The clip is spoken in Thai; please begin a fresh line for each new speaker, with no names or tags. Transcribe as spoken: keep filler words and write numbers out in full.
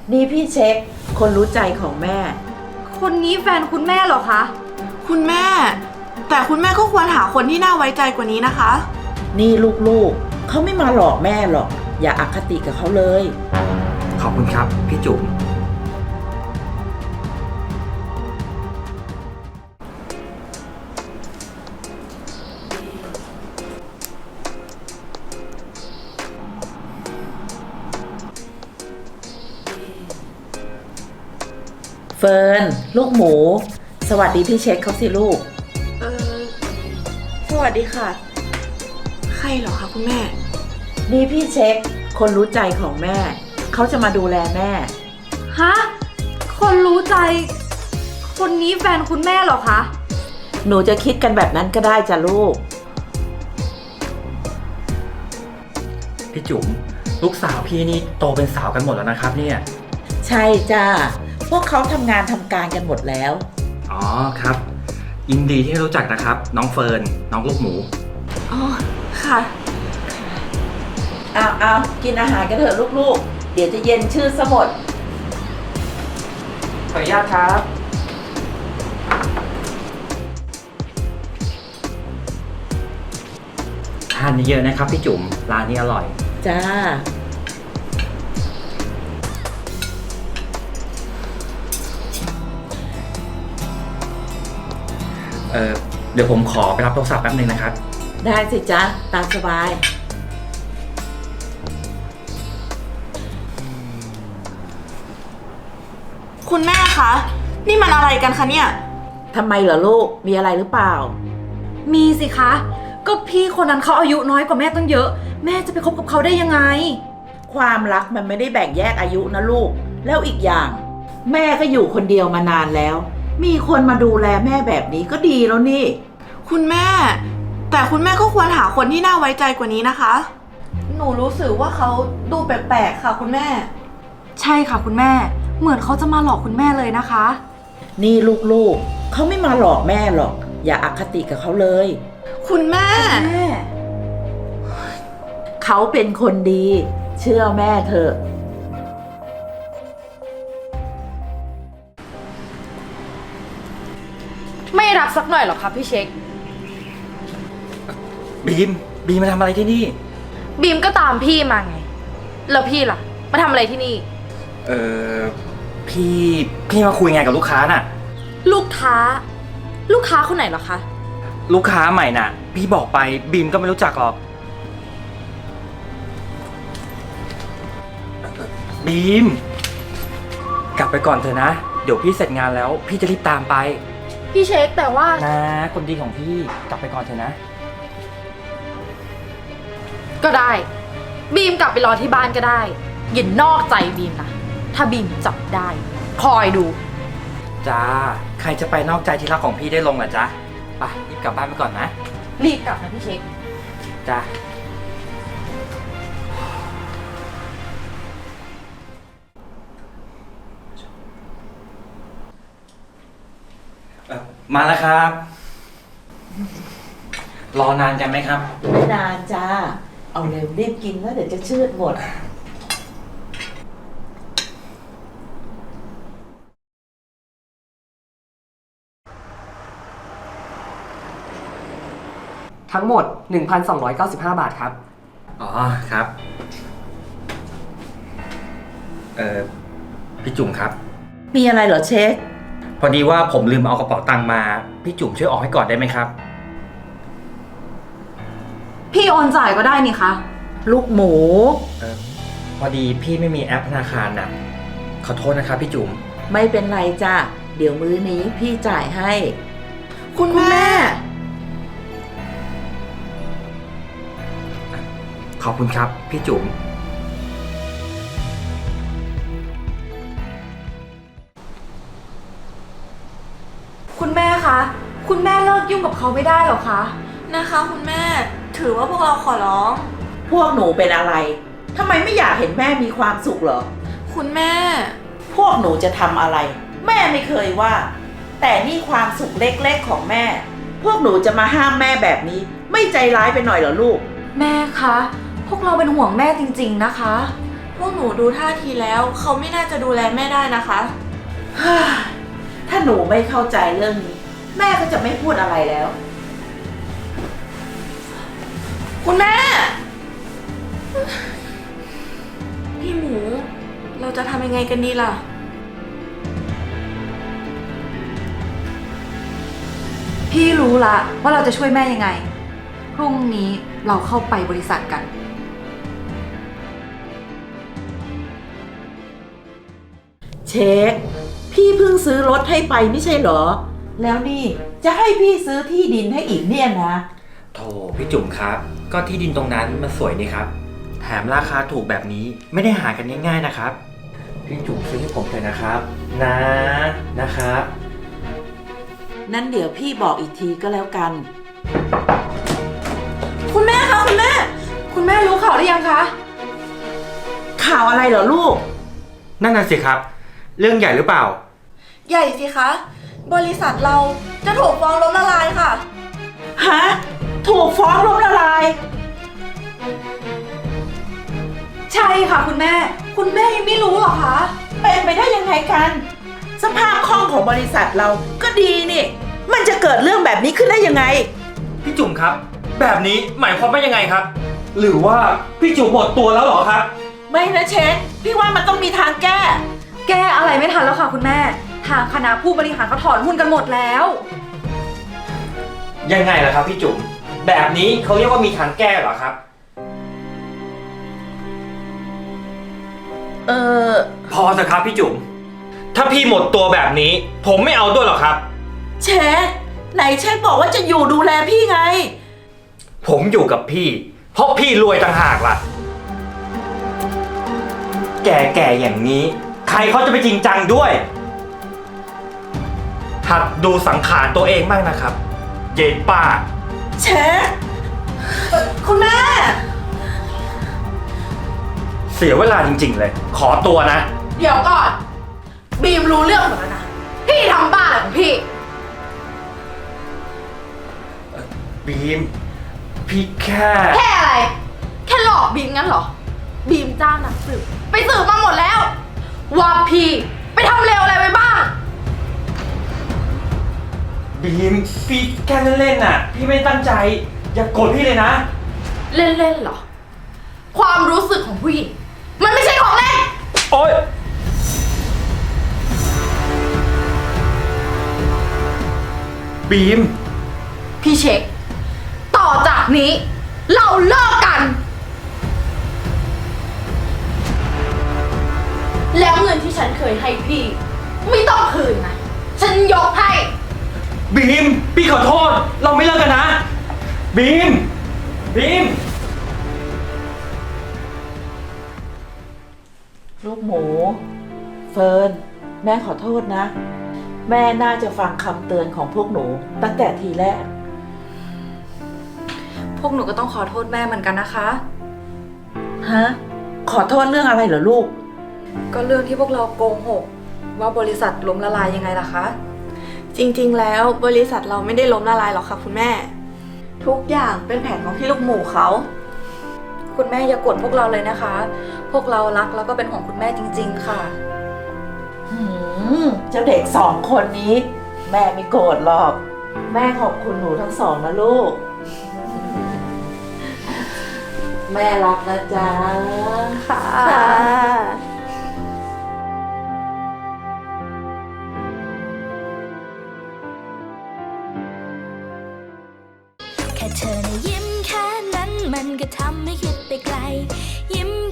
นี่พี่เช็คคนรู้ใจของแม่
คนนี้แฟนคุณแม่เหรอคะ
คุณแม่ แต่คุณแม่ก็ควรหาคนที่น่าไว้ใจกว่านี้นะคะ
นี่ลูกๆเขาไม่มาหลอกแม่หรอกอย่าอคติกับเขาเลย
ขอบคุณครับพี่จุ๋ม
เฟิร์นลูกหมู สวัสดีพี่เช็คเขาสิลูก
เออสวัสดีค่ะ ใครเหรอคะคุณแม่
นี่พี่เช็คคนรู้ใจของแม่เขาจะมาดูแลแม่
ฮะ คนรู้ใจ คนนี้แฟนคุณแม่เหรอคะ
หนูจะคิดกันแบบนั้นก็ได้จ้ะลูก
พี่จุ๋มลูกสาวพี่นี่โตเป็นสาวกันหมดแล้วนะครับเนี่ย
ใช่จ้าพวกเขาทำงานทำการกันหมดแล้ว
อ๋อครับยินดีที่ได้รู้จักนะครับน้องเฟิร์นน้องลูกหมู
อ๋อ ค่ะ
เอาเอากินอาหารกันเถอะลูกๆ เดี๋ยวจะเย็นชื่อสมด
ขออนุญาตครับทานเยอะๆนะครับพี่จุ๋มร้านนี้อร่อย
จ้า
เออเดี๋ยวผมขอไปรับโทรศัพท์แป๊บนึงนะครับ
ได้สิจ้าตามสบาย
คุณแม่คะ นี่มันอะไรกันคะเนี่ย
ทำไมเหรอลูก มีอะไรหรือเปล่า
มีสิคะ ก็พี่คนนั้นเขาอายุน้อยกว่าแม่ตั้งเยอะ แม่จะไปคบกับเขาได้ยังไง
ความรักมันไม่ได้แบ่งแยกอายุนะลูก แล้วอีกอย่าง แม่ก็อยู่คนเดียวมานานแล้ว มีคนมาดูแลแม่แบบนี้ก็ดีแล้วนี่
คุณแม่ แต่คุณแม่ก็ควรหาคนที่น่าไว้ใจกว่านี้นะคะ หนูรู้สึกว่าเขาดูแปลกๆค่ะ คุณแม่
ใช่ค่ะคุณแม่ เหมือนเขาจะมาหลอกคุณแม่เลยนะคะ
นี่ลูกๆเขาไม่มาหลอกแม่หรอก อย่าอคติกับเขาเลย
คุณแม่
แม่
เขาเป็นคนดี เชื่อแม่เถอะ
ไม่รักสักหน่อยหรอคะพี่เช็ค
บีมบีมมาทำอะไรที่นี่
บีมก็ตามพี่มาไง แล้วพี่ล่ะ มาทำอะไรที่นี่
เออพี่พี่มาคุยงานกับลูกค้าน่ะ
ลูกค้า ลูกค้าคนไหนเหรอคะ
ลูกค้าใหม่น่ะ พี่บอกไปบีมก็ไม่รู้จักหรอกบีม กลับไปก่อนเถอะนะ เดี๋ยวพี่เสร็จงานแล้ว พี่จะรีบตามไป
พี่เช็คแต่ว่า
นะคนดีของพี่กลับไปก่อนเถอะนะ
ก็ได้ บีมกลับไปรอที่บ้านก็ได้อย่านอกใจบีมนะ ถ้าบีมจับได้ คอยดู
จ้า ใครจะไปนอกใจที่รักของพี่ได้ลงล่ะจ๊ะไปรีบกลับบ้านไปก่อนนะ
รีบกลับนะพี่เช็ค
จ้าเอ่อมาแล้วครับ รอนานกันไหมครับ
ไม่นานจ้า เอาเร็วรีบกินแล้วเดี๋ยวจะชืดหมด
ทั้งหมด หนึ่งพันสองร้อยเก้าสิบห้า บาทครับ
อ๋อครับ เอ่อ พี่จุ๋มครับ
มีอะไรเหรอเช็ค
พอดีว่าผมลืมเอากระเป๋าตังค์มา พี่จุ๋มช่วยออกให้ก่อนได้ไหมครับ
พี่โอนจ่ายก็ได้นี่คะ
ลูกหมู
เออพอดีพี่ไม่มีแอปธนาคารน่ะ ขอโทษนะครับพี่จุ๋ม
ไม่เป็นไรจ้าเดี๋ยวมื้อนี้พี่จ่ายให้
คุณแม่
ขอบคุณครับพี่จุ๋ม
คุณแม่คะ คุณแม่เลิกยุ่งกับเขาไม่ได้หรอคะ
นะคะคุณแม่ ถือว่าพวกเราขอร้อง
พวกหนูเป็นอะไรทำไมไม่อยากเห็นแม่มีความสุขเหรอ
คุณแม่
พวกหนูจะทำอะไร แม่ไม่เคยว่า แต่นี่ความสุขเล็กๆของแม่ พวกหนูจะมาห้ามแม่แบบนี้ ไม่ใจร้ายไปหน่อยเหรอลูก
แม่คะ พวกเราเป็นห่วงแม่จริงๆนะคะ
พวกหนูดูท่าทีแล้ว เขาไม่น่าจะดูแลแม่ได้นะคะ
ถ้าหนูไม่เข้าใจเรื่องนี้ แม่ก็จะไม่พูดอะไรแล้ว
คุณแม่ พี่หมู เราจะทำยังไงกันดีล่ะ
พี่รู้ละว่าเราจะช่วยแม่ยังไง พรุ่งนี้เราเข้าไปบริษัทกัน
เช็ค พี่เพิ่งซื้อรถให้ไปไม่ใช่เหรอ แล้วนี่จะให้พี่ซื้อที่ดินให้อีกเนี่ยนะ
โถพี่จุ๋มครับ ก็ที่ดินตรงนั้นมันสวยนี่ครับ แถมราคาถูกแบบนี้ไม่ได้หากันง่ายๆนะครับ พี่จุ๋มซื้อให้ผมเถอะนะครับ นะนะครับ
นั้นเดี๋ยวพี่บอกอีกทีก็แล้วกัน
คุณแม่คะคุณแม่
คุณแม่รู้ข่าวหรือยังคะ
ข่าวอะไรเหรอลูก
นั่นน่ะสิครับ เรื่องใหญ่หรือเปล่า
ใหญ่สิคะ บริษัทเราจะถูกฟ้องล้มละลายค่ะ
ฮะ ถูกฟ้องล้มละลาย
ใช่ค่ะคุณแม่ คุณแม่ยังไม่รู้เหรอคะ
เป็นไปได้ยังไงกัน สภาพคล่องของบริษัทเราก็ดีนี่ มันจะเกิดเรื่องแบบนี้ขึ้นได้ยังไง
พี่จุ๋มครับ แบบนี้หมายความว่ายังไงครับ หรือว่าพี่จุ๋มหมดตัวแล้วเหรอครับ
ไม่นะเชนพี่ว่ามันต้องมีทางแก้
แก้อะไรไม่ทันแล้วค่ะคุณแม่ ทางคณะผู้บริหารเขาถอนหุ้นกันหมดแล้ว
ยังไงล่ะครับพี่จุ๋ม แบบนี้เขาเรียกว่ามีทางแก้เหรอครับ
เออ
พอเถอะครับพี่จุ๋ม ถ้าพี่หมดตัวแบบนี้ ผมไม่เอาด้วยหรอกครับ
เชนไหนเชนบอกว่าจะอยู่ดูแลพี่ไง
ผมอยู่กับพี่ เพราะพี่รวยต่างหากล่ะ แก่ๆอย่างนี้ ใครเขาจะไปจริงจังด้วย หัดดูสังขารตัวเองบ้างนะครับ เย็นป้า
เชน
คุณแม่
เสียเวลาจริงๆเลย ขอตัวนะ
เดี๋ยวก่อน บีมรู้เรื่องหมดแล้วนะ พี่ทำบ้าอะไรของพี่
บีม พี่แค่
แค่อะไร แค่หลอกบีมงั้นเหรอ บีมจ้างนักสืบไปสืบมาหมดแล้ว ว่าพี่ไปทำเลวอะไรไปบ้าง
บีม พี่แค่เล่นๆน่ะ พี่ไม่ตั้งใจ อย่าโกรธพี่เลยนะ
เล่นๆเหรอ ความรู้สึกของผู้หญิงมันไม่ใช่ของเล่น
โอ๊ย บีม
พี่เช็ค ต่อจากนี้ เราเลิกกัน แล้วเงินที่ฉันเคยให้พี่ ไม่ต้องคืนนะ ฉันยกให้
บีม พี่ขอโทษ เราไม่เลิกกันนะ บีม บีม
ลูกหมู เฟิร์น แม่ขอโทษนะ แม่น่าจะฟังคำเตือนของพวกหนูตั้งแต่ทีแรก
พวกหนูก็ต้องขอโทษแม่เหมือนกันนะคะ
ฮะ ขอโทษเรื่องอะไรเหรอลูก
ก็เรื่องที่พวกเราโกหกว่าบริษัทล้มละลายยังไงล่ะคะ
จริงๆ แล้วบริษัทเราไม่ได้ล้มละลายหรอกค่ะคุณแม่ ทุกอย่างเป็นแผนของพี่ลูกหมูเขา
คุณแม่อย่ากดพวกเราเลยนะคะ พวกเรารักแล้วก็เป็นห่วงคุณแม่จริงๆค่ะ
หืมเจ้าเด็กสองคนนี้ แม่ไม่โกรธหรอก แม่ขอบคุณหนูทั้งสองนะลูก แม่รักนะจ๊ะ
ค่ะ
แค่เธอนะยิ้มแค่นั้นมันก็ทำให้คิดไปไกล ยิ้ม